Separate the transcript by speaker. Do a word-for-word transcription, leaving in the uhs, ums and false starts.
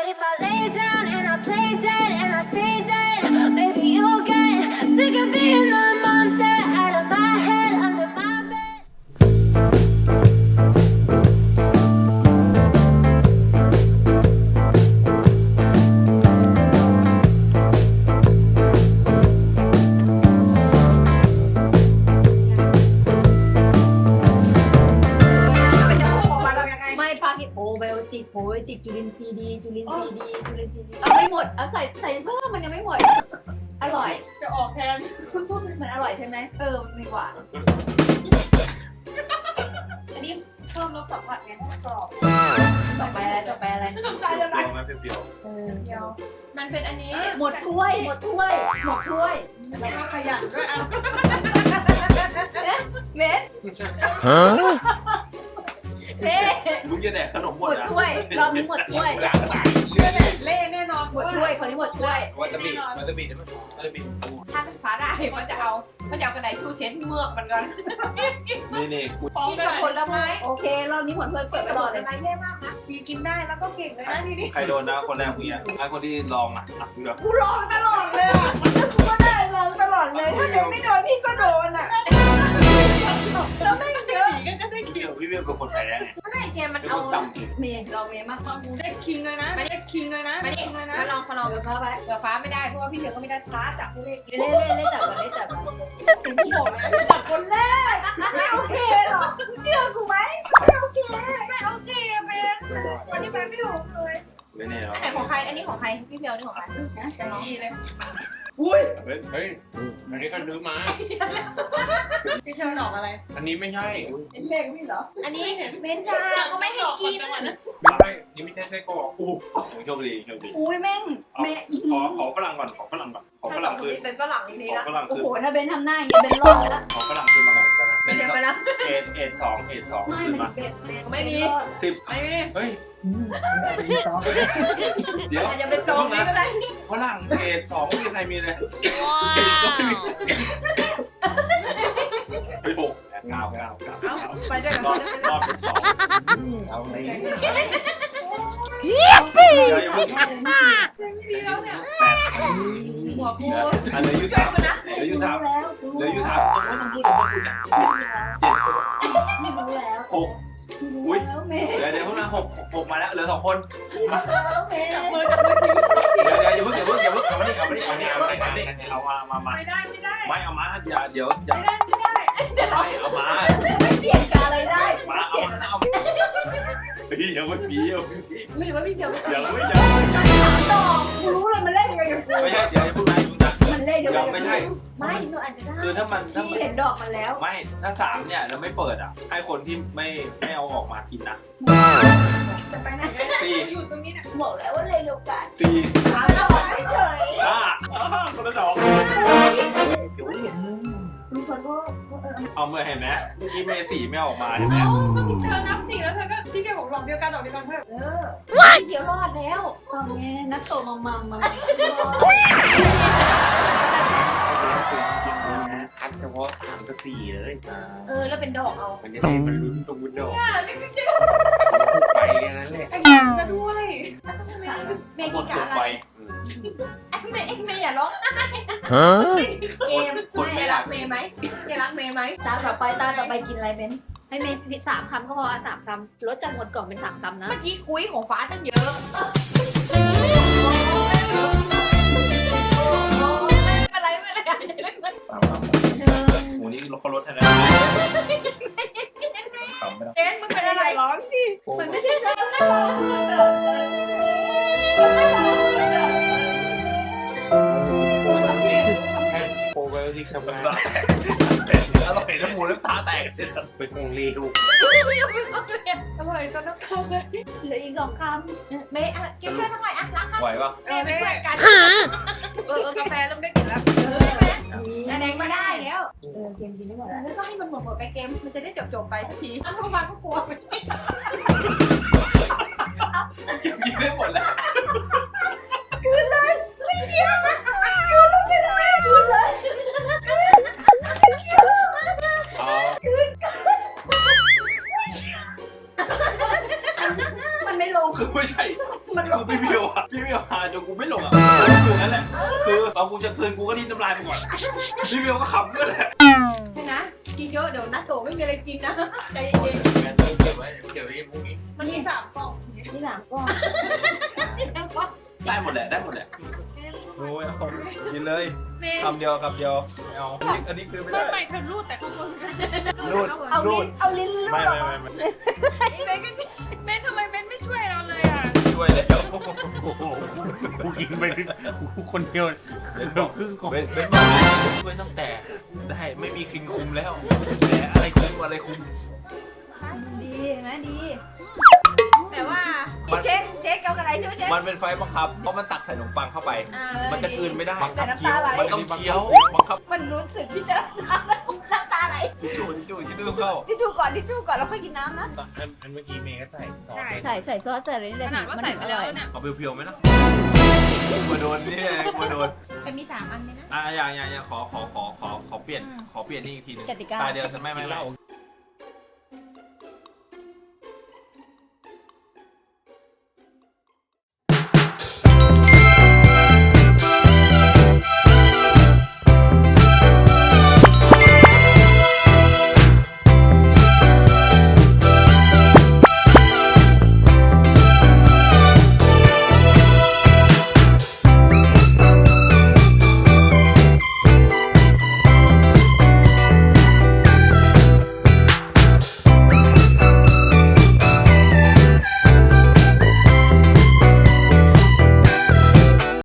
Speaker 1: if I lay down and I play dead and I stay dead, maybe you'll get sick of being the monster out of my head, under my bed.
Speaker 2: ไม่พากินโอไบโอติกโอ้ยติดจุลินทรีย์ดีจุลินทรีย์ดีจุลินทรีย์ดีเอาไม่หมดเอาใส่ใส่เพิ่มมันยังไม่หมดอร่อยจะออกแทนมันอร่อยใช่ไหมเออมีหวานอันนี้เพิ่มรสสัมผัสไงให้มันกรอบต่อไปอะไรต่อไปอะไร
Speaker 3: น้ำตาจะไหล
Speaker 4: เปรี้ยวไหมเปรี้ยว
Speaker 2: เออ
Speaker 3: เดียวมันเป็นอันนี้
Speaker 2: หมดถ้วยหมดถ้วยหมดถ้วย
Speaker 3: แล้วก็ขยันด้วยอ่ะ
Speaker 2: เม็ดเล่
Speaker 4: มึงจะแดกขนมห
Speaker 2: ห
Speaker 4: ม
Speaker 2: ม
Speaker 4: ด
Speaker 2: ด
Speaker 4: อ่ะ
Speaker 2: ถ้วยรอบนี้หมดถ้วย
Speaker 4: หลังตาย
Speaker 3: เล่แน่นอน
Speaker 2: หมดถ้วยคนนี้หมดถ้วย
Speaker 4: วันตะบีวันตะบีวันตะบี
Speaker 3: ถ้าเป็นฟ้าได้มันจะเอามันจะเอากระดาษทูเช็ดเมือกมันก่อน
Speaker 4: นี่นี่กู
Speaker 3: กินกับผลไม้
Speaker 2: โอเครอบนี้หมดถ้วยเปิดไปรอเลย
Speaker 3: ผลไม้เย่มากนะมีกินได้แล้วก็เก่งเลยนะนี่นี่
Speaker 4: ใครโดนนะคนแรกมึงอ่ะไอ้คนที่ลองอ่ะอ่ะมึงแบบ
Speaker 3: กูรอตลอดเลยอ่ะกูก็ได้รอตลอดเลยถ้าเดินไม่โดนพี่ก็โดนอ่ะแล้วไม่เยอะก็ได้
Speaker 4: พี่พี่เบี้ยเป็นคนแพ้ไง
Speaker 3: ไม่เกมมัน
Speaker 4: เป็น
Speaker 3: เอา
Speaker 4: คนต่ำจริง
Speaker 2: เมย์ลองเมย์มาก
Speaker 3: ได้คิงเลยนะไม่ได้คิงเลยนะไม่ได้คิงเลยนะลองเขาลอง
Speaker 2: เดี๋ยวมาไป
Speaker 3: เกือฟ้าไม่ได้เพราะว่าพี่เธอก็ไม่ได้ฟ้าจับผู้เล่น
Speaker 2: เล่นเล่นเล่นจับก่อนเล่นจับก่อน
Speaker 3: ถึงที่บอกนะจับคนแรกไม่โอเคหรอกเชื่อกูไหมไม่โอเคไม่โอเคเป็นวันนี้ไปไม่ถูกเลย
Speaker 4: ไม่แน่หรอ
Speaker 3: อันไหนของใครอันนี้ของใครพี่เพียวนี่ของใคร
Speaker 2: นะจะลอง
Speaker 3: ดีเลยอุ้ย
Speaker 4: เฮ้ยเฮ้ยอันนี้ก็ซื้อมา
Speaker 3: พี่เชียวดอกอะไร
Speaker 4: อันนี้ไม่ใช่
Speaker 3: เป็นเลขพี่เหรออันนี้เบนจาเขาไม่ให้กิน
Speaker 4: ไม่ใช่นี่ไม่ใช่ไส้กรอกอู้โชคดีโชคดี
Speaker 2: อุ้ยแม่งแม่
Speaker 4: ขอขอฝรั่งก่อนขอฝรั่งก่อนขอฝรั่งคืน
Speaker 3: เป็นฝรั่งนี้
Speaker 4: ขอ
Speaker 3: ละ
Speaker 4: ฝรั่ง
Speaker 2: โอ้
Speaker 4: คืน
Speaker 2: โหถ้าเบนทำหน้าอย่างเงี้ยเบนรอดแล้ว
Speaker 4: ขอฝรั่งคืนมาก่อน
Speaker 3: ไม่ได้ไปแล้ว
Speaker 4: เอ็ดเอ็ดสองเอ็ดสอง
Speaker 2: ไม่
Speaker 4: คืน
Speaker 2: มั
Speaker 4: มาน
Speaker 2: เบนเบน
Speaker 3: ไม่มี
Speaker 4: สิบ
Speaker 3: ไม่มี
Speaker 4: เฮ้ยเดี๋ยว
Speaker 3: อาจจะเป็นตรงนี้ก็ได้
Speaker 4: ฝรั่งเอ็ดสองไม่มีใครมีเลยไปหกเก้าเก้าเก้า
Speaker 3: เอาไปด้วยกัน
Speaker 4: รอดรอดไปสอง
Speaker 5: เอาเลย
Speaker 4: เดี๋ยวยังไม่ถึง
Speaker 3: ดีแล้วเนี่ย
Speaker 4: แปด
Speaker 3: หัวกู
Speaker 4: อันเหลืออยู่สามเหลืออยู่สาม
Speaker 2: แล้ว
Speaker 4: เหลืออยู่สามต้องต้องพูดต้องพูดเจ็ด
Speaker 2: ไม่รู้แล้ว
Speaker 4: หกอุ้ย
Speaker 2: แล้วเมย์
Speaker 4: เดี๋ยวเดี๋ยวพวกนั้นหกหกมาแล้วเหลือสองคน
Speaker 2: แล้วเมย์
Speaker 3: มือจับมือชี้
Speaker 4: เดี๋ยวเดี๋ยวอย่าเพิ่งอย่าเพิ่งอย่าเพิ่งเอามาดิเอามาดิเอามาดิเอามาดิเอามาดิเอามามามา
Speaker 3: ไม่ได้ไม่ได้
Speaker 4: ไม่เอามาอย่าเดี๋ยวอย่า
Speaker 3: ไม่ได้ไม่ได้
Speaker 4: ไม่เอามา
Speaker 2: ไม่เปลี่ยนการอะไรได้
Speaker 4: มาเอามาเอาพี่ยังไม่ปีเอาพี่
Speaker 3: หรือว่าพี่เพียว
Speaker 4: ยังไม่ยัง
Speaker 2: ถามต่อกูรู้เลยมันเล่นยังไงกับกู
Speaker 4: ไม่ใช่เดี๋ยวพูดนะพูดนะ
Speaker 2: มันเล่นยังไง
Speaker 4: ยังไม่ใช่
Speaker 3: ไม่หนูอาจจะได้
Speaker 4: คือถ้ามันถ้า
Speaker 2: พี่
Speaker 4: มัน
Speaker 2: เห็นดอกมันแล้ว
Speaker 4: ไม่ถ้าสามเนี่ยเราไม่เปิดอ่ะให้คนที่ไม่ไม่เอาออกมากินนะ
Speaker 3: จะไปไหนได้
Speaker 4: สี่
Speaker 3: อยู่ตรงนี้เนี่ย
Speaker 2: บอกแล้วว่าเล่นโอกาส
Speaker 4: สี่
Speaker 3: ถามเราเฉย
Speaker 4: ห้าคนละดอก
Speaker 2: มีคนก็เออ
Speaker 4: เอาเมื่อเห็นไหมเมื่อกี้เมย์สี่ไม่เอาออกมาเห็นไหม
Speaker 3: เอ้าก็พี่เธอนับสี่แล้วเธอก็พี่แกบอกหลอกเดียวกันหลอกเดียวกันเถอะ
Speaker 2: เออเดี๋ยวรอดแล้วตอนนี้นักโตมัมมัมมา
Speaker 5: คัดเฉพาะสามกับสี่เลย
Speaker 3: เออแล้วเป็นดอกเอา
Speaker 5: มันจะได้มันลุ้นตรงบุญดอก
Speaker 3: อ่านี่ก็เจ๊
Speaker 5: ไปอย่างนั้นแหละ
Speaker 3: ไอ้ยังจะด้วยเมย์
Speaker 4: หม
Speaker 3: กิ
Speaker 4: ด
Speaker 3: นกะ
Speaker 4: ตัว
Speaker 3: อะไร
Speaker 4: ไป
Speaker 3: เมย์เมย์อย่าร้องเกมเมย์รักเมย์ไหมเมย์รักเมย์ไหม
Speaker 2: ตาต่อไปตาต่อไปกินอะไรเบนให้เมย์สามคำก็พอสามคำลดจากหมดกล่องเป็นสามคำนะ
Speaker 3: เมื่อกี้คุยของฟ้าตั้งเยอะอะไรไม่อะไร
Speaker 4: สามคำโอ้นี่เขาลดให้แล้วคำไม่ต้อง
Speaker 3: เจนมึงเป็นอะไรร้องดิ
Speaker 2: มันไม่ใช่เรื่อง
Speaker 5: แค่โปรไบโอติกทำงาน
Speaker 4: อร่อยน้ำมูน้ำตาแตกเลยสัตว์
Speaker 5: เป็นของเลว
Speaker 3: อร่อยจนน้ำตาเลย
Speaker 2: เหลืออีกสองค
Speaker 3: เมย์อ่ะกินเพื่อนทำไมอ่ะรักกัน
Speaker 4: ไหวปะ
Speaker 3: เมย์เป็นเพื่อนกันเออเออกาแฟเริ่มได้กลิ่นแล้วเออแดงมาได้แล้ว
Speaker 2: ำเออเกมกินไม่หมด
Speaker 3: แล้วก็ให้มันหมดหมดไปเกมมันจะได้จบจบไปสักทีอ้าวทุกวันก็กลัวไป
Speaker 4: กินไม่หมดแล้ว
Speaker 3: ไม่เกี่ยวคืนลงไปเลยคืนเลย
Speaker 4: อ๋อ
Speaker 2: มันไม่ลง
Speaker 4: คือไม่ใช่
Speaker 2: มันล
Speaker 4: คื
Speaker 2: ง
Speaker 4: อไม่พี่มิวอ่ะพี่มิวหาจนกูไม่ลงอ่ะคือนั่นแหละคือตอนกูจะเตือนกูก็ดิ้นน้ำลายไปก่อนพี่มิวก็ขำด้วยแหละ
Speaker 3: ใช่นะกินเยอะเดี๋ยวนัดโตไม่มีอะไรกินนะใจเย็น
Speaker 5: แม่เก็บไว้เก็บไว้พรุ่งนี้
Speaker 3: มันมีสามกล่อง
Speaker 2: ที่สามก้อน
Speaker 4: ได้หมดแหละได้หมมดแหละ
Speaker 5: โอ้ยเอากินเลย
Speaker 3: เมย์
Speaker 5: คำเดียวคำเดียวไม่เอาอันนี้อันนี้คือไม่
Speaker 3: ไม่
Speaker 5: ได้
Speaker 3: ไม่เธอรูดแต่ข้างบน
Speaker 5: รูด
Speaker 3: เอา
Speaker 5: รู
Speaker 3: ลิ้
Speaker 5: ด
Speaker 3: นเอาลิ้นรูด
Speaker 5: ไม่
Speaker 3: ออก
Speaker 5: ไม่
Speaker 3: มา
Speaker 5: ไม่
Speaker 3: เบนก็เบนทำไมเบนไม่ช่วยเราเลยอ่ะ
Speaker 5: ช่วยแล้วโอ้โหกูกินไปกูคนเดียวเกือบครึ่งกล่อง
Speaker 4: เบนเบนมาช่วยตั้งแต่ได้ไม่มีคิงคุมแล้วแต่อะไรคุมอะไรคุม
Speaker 2: ดีเห็นไหมดี
Speaker 3: แต่ว่าเจ๊กเจ๊กเอากระไรใช่ไหมเจ๊ก
Speaker 4: มันเป็นไฟบังคับเพราะมันตักใส่ขนมปังเข้าไป
Speaker 3: อ่า
Speaker 4: มันจะกลืนไม่ได้
Speaker 2: แต่น้ำตาไหล
Speaker 4: มันต้องเคี้ยวบังคับ
Speaker 2: มันรู้สึกที่จะน้ำแล้วน้ำตาไหล
Speaker 4: ทิชชู่ทิชชู่ทิชชู่เข้า
Speaker 2: ทิชชู่ก่อนทิชชู่ก่อนแล้วค่อยกินน้ำนะ
Speaker 5: อันอันเมื่อกี้เมย์ก็ใส่ซอส
Speaker 2: ใส่ใส่ซอสใส่อะไรนี่แหละ
Speaker 3: ขนาดว่าใส่ไปแล้วเนี่ย
Speaker 4: เอาเพียวๆไหมนะกลัวโดนนี่ไงกลัวโดน
Speaker 3: แต่มีสามอันเลยนะ
Speaker 4: อ่ะอย่างอย่างอย่างขอขอขอขอขอเปลี่ยนขอเปลี่ยนนี่อีกทีหนึง
Speaker 2: กติกา
Speaker 4: ตาเดียวจะไม่ไม่ไม่